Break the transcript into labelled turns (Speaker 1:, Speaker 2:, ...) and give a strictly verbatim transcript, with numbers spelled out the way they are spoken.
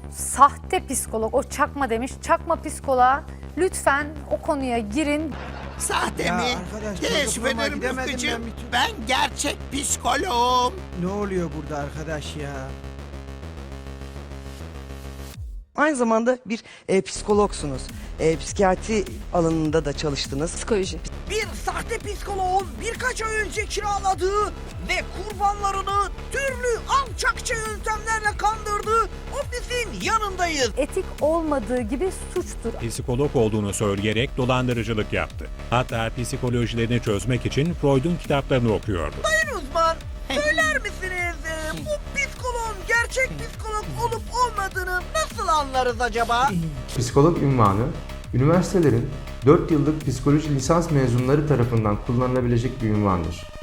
Speaker 1: sahte psikolog, o çakma demiş. Çakma psikoloğa lütfen o konuya girin.
Speaker 2: Sahte
Speaker 3: Ya
Speaker 2: mi?
Speaker 3: arkadaş,
Speaker 2: Teessüf
Speaker 3: çocukluğuma
Speaker 2: ederim
Speaker 3: gidemedim
Speaker 2: Rıfkıcığım.
Speaker 3: ben bir türlü.
Speaker 2: Ben gerçek psikoloğum.
Speaker 3: Ne oluyor burada arkadaş ya?
Speaker 4: Aynı zamanda bir e, psikologsunuz. E, psikiyatri alanında da çalıştınız.
Speaker 5: Psikoloji.
Speaker 6: Bir sahte psikoloğun birkaç ay önce kiraladığı ve kurbanlarını türlü alçakça yöntemlerle kandırdığı ofisin yanındayız.
Speaker 1: Etik olmadığı gibi suçtur.
Speaker 7: Psikolog olduğunu söyleyerek dolandırıcılık yaptı. Hatta psikolojilerini çözmek için Freud'un kitaplarını okuyordu.
Speaker 6: Sayın uzman, söyler misiniz e, bu psikoloğun gerçek psikolog olup olmadığını nasıl anlarız acaba?
Speaker 8: Psikolog unvanı, üniversitelerin dört yıllık psikoloji lisans mezunları tarafından kullanılabilecek bir unvandır.